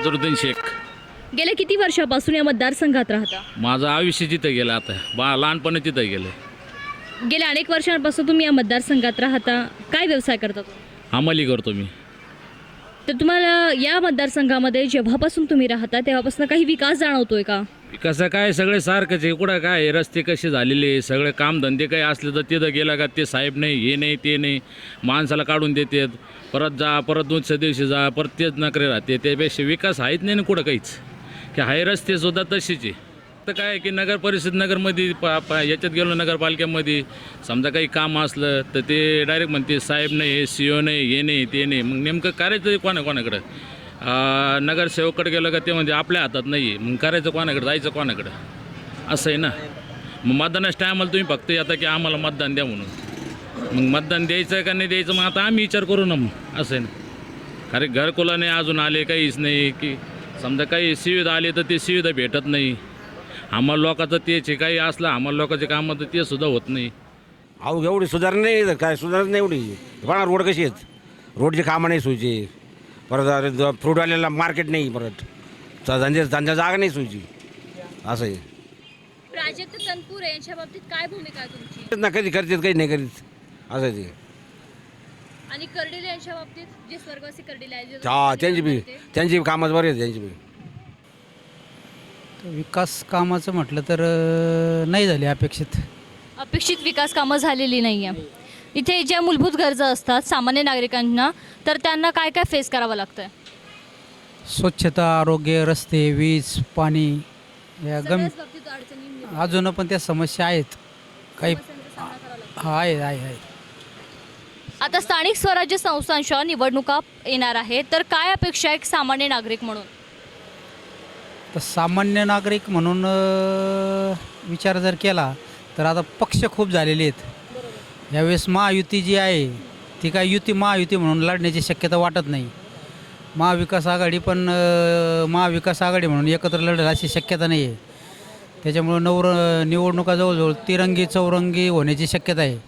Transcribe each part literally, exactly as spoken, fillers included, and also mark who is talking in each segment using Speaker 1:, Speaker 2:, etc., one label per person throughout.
Speaker 1: जरुद्दीन शेख.
Speaker 2: गेल्या किती वर्षापासून या मतदारसंघात राहता?
Speaker 1: माझं आयुष्य तिथं गेलं, आता बा लहानपणी तिथं गेलं.
Speaker 2: गेल्या अनेक वर्षांपासून तुम्ही या मतदारसंघात राहता, काय व्यवसाय करता तुम्ही?
Speaker 1: अंमली करतो मी.
Speaker 2: तर तुम्हाला या मतदारसंघामध्ये जेव्हापासून तुम्ही राहता तेव्हापासून काही विकास जाणवतोय का?
Speaker 1: कसं काय सगळे सारखंच आहे. कुठं काय आहे, रस्ते कसे झालेले, सगळे कामधंदे काही असले तर तिथं गेला का ते साहेब नाही, हे नाही, ते नाही, माणसाला काढून देतात. परत जा, परत दुसऱ्या दिवशी जा, परत तेच नकरे राहते. त्यापेक्षा विकास आहेत नाही ना कुठं काहीच, की हाय रस्तेसुद्धा तशीच आहे. तर काय की नगर परिषद नगरमध्ये पा पा याच्यात गेलो नगरपालिकेमध्ये, समजा काही काम असलं तर ते डायरेक्ट म्हणते साहेब नाही, हे सी ओ नाही, हे नाही, ते नाही. मग नेमकं करायचं कोणा कोणाकडं? नगरसेवककडे गेलं का ते म्हणजे आपल्या हातात नाही आहे, मग करायचं कोणाकडे, जायचं कोणाकडं, असं आहे ना. मग मतदानाच्या टायमाला तुम्ही फक्त येता की आम्हाला मतदान द्या म्हणून. मग मतदान द्यायचं का नाही द्यायचं मग आता आम्ही विचार करू ना, मग असं आहे ना. कारण घरकुला नाही अजून आले, काहीच नाही, की समजा काही सुविधा आली तर ते सुविधा भेटत नाही. आम्हाला लोकांचं तेच आहे, काही असलं आम्हाला लोकांचे कामं तर ते सुद्धा होत नाही.
Speaker 3: अहो एवढी सुधारणा नाही तर काय सुधारणा नाही एवढी. पण रोड कशी आहेत, रोडची कामं नाही सोयची. परत फ्रूटवाल्याला मार्केट नाही, परत धंदे धंदा जागा नाही सोयची, असं आहे.
Speaker 2: प्राजक्त तनपुरे यांच्या बाबतीत काय भूमिका आहे तुमची?
Speaker 3: ना कधी करतात काही नाही करीत, असं आहे ते.
Speaker 2: आणि कर्डिले यांच्या बाबतीत, जे स्वर्गवासी कर्डिले आहेत,
Speaker 3: हा त्यांची बी त्यांची बी कामं बरी आहेत त्यांची बी.
Speaker 4: विकास कामाचं म्हटलं तर अ, नाही झाले अपेक्षित.
Speaker 2: अपेक्षित विकास कामं झालेली नाही आहे. इथे ज्या मूलभूत गरजा असतात सामान्य नागरिकांना, तर त्यांना काय काय फेस करावं लागतं?
Speaker 4: स्वच्छता, आरोग्य, रस्ते, वीज, पाणी या गम अजून पण त्या समस्या आहेत काही. हा आहे आहे आहे
Speaker 2: आता स्थानिक स्वराज्य संस्थांच्या निवडणुका येणार आहे, तर काय अपेक्षा आहे एक सामान्य नागरिक म्हणून?
Speaker 4: तर सामान्य नागरिक म्हणून अ, विचार जर केला तर आता पक्ष खूप झालेले आहेत. यावेळेस महायुती जी आहे ती काय युती महायुती म्हणून लढण्याची शक्यता वाटत नाही. महाविकास आघाडी पण अ, महाविकास आघाडी म्हणून एकत्र लढेल अशी शक्यता नाही आहे. त्याच्यामुळं नवर निवडणुका जवळजवळ तिरंगी चौरंगी होण्याची शक्यता आहे.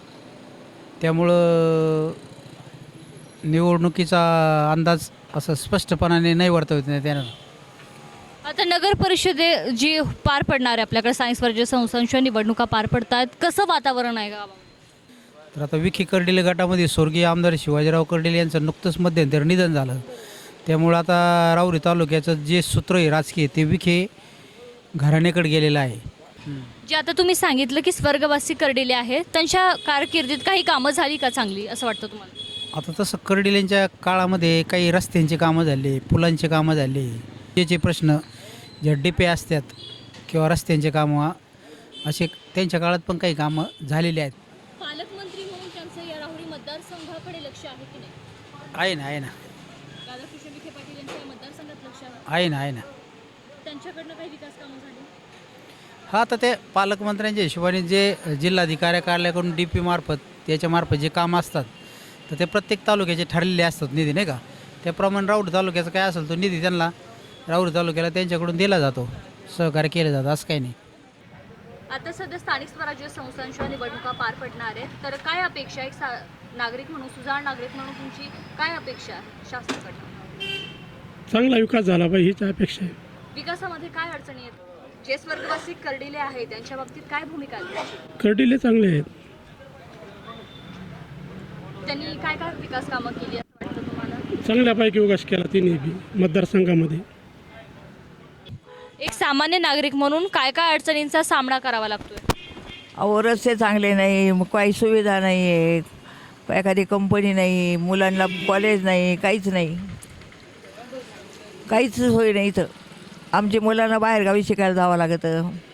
Speaker 4: त्यामुळं निवडणुकीचा अंदाज असं स्पष्टपणाने नाही वर्तवत नाही त्यानं.
Speaker 2: आता नगर परिषदे जी पार पडणार आहे, आपल्याकडे स्थानिक स्वराज्य संस्थांच्या निवडणुका पार पडतात, कसं वातावरण आहे गावामध्ये?
Speaker 4: तर आता विखे कर्डिले गटामध्ये स्वर्गीय आमदार शिवाजीराव कर्डिले यांचं नुकतंच मध्यंतरी निधन झालं. त्यामुळं आता राहुरी तालुक्याचं जे सूत्र आहे राजकीय ते विखे घराण्याकडे गेलेलं आहे.
Speaker 2: जे आता तुम्ही सांगितलं की स्वर्गवासी कर्डिले आहेत, त्यांच्या कारकिर्दीत काही कामं झाली का चांगली असं वाटतं तुम्हाला?
Speaker 4: आता तसं कर्डिलेंच्या काळामध्ये काही रस्त्यांची कामं झाली, पुलांची कामं झाली, त्याचे प्रश्न जे डिपे असतात किंवा रस्त्यांचे कामं असे त्यांच्या काळात पण काही कामं झालेली आहेत.
Speaker 2: पालकमंत्री म्हणून त्यांचं या राहुरी मतदारसंघाकडे लक्ष आहे की नाही?
Speaker 4: आहे ना आहे ना
Speaker 2: राधाकृष्ण विखे पाटील यांच्या या मतदारसंघात लक्ष आहे?
Speaker 4: आहे ना आहे ना
Speaker 2: त्यांच्याकडनं काही विकास कामं झाली?
Speaker 4: हा, तर ते पालकमंत्र्यांच्या हिशोबाने जे जिल्हाधिकारी कार्यालयाकडून डी पी मार्फत त्याच्यामार्फत जे कामं असतात तर ते प्रत्येक तालुक्याचे ठरलेले असतात निधी, नाही का. त्याप्रमाणे राऊर तालुक्याचा काय असेल तो निधी त्यांना राऊर तालुक्याला त्यांच्याकडून दिला जातो, सहकार्य केलं जातं, असं काही नाही.
Speaker 2: आता सध्या स्थानिक स्वराज्य संस्थांच्या निवडणुका पार पडणार आहेत, तर काय अपेक्षा आहे? एक सा नागरिक म्हणून, सुजाण नागरिक म्हणून तुमची काय अपेक्षा आहे शासनाकडनं?
Speaker 5: चांगला विकास झाला पाहिजे हीच अपेक्षा आहे.
Speaker 2: विकासामध्ये काय अडचणी आहेत? जे स्वर्गवासी कर्डिले आहेत त्यांच्या बाबतीत काय भूमिका आहे तुमची?
Speaker 5: कर्डिले चांगले आहेत.
Speaker 2: त्यांनी काय काय विकास कामं केली असं वाटतं तुम्हाला?
Speaker 5: चांगल्यापैकी विकास केला तिने बी मतदारसंघामध्ये.
Speaker 2: एक सामान्य नागरिक म्हणून काय काय अडचणींचा सामना करावा लागतोय?
Speaker 6: अहो रस्ते चांगले नाही, मग काही सुविधा नाही आहेत, एखादी कंपनी नाही, मुलांना कॉलेज नाही, काहीच नाही, काहीच सोय नाही. इथं आमच्या मुलांना बाहेरगावी शिकायला जावं लागतं.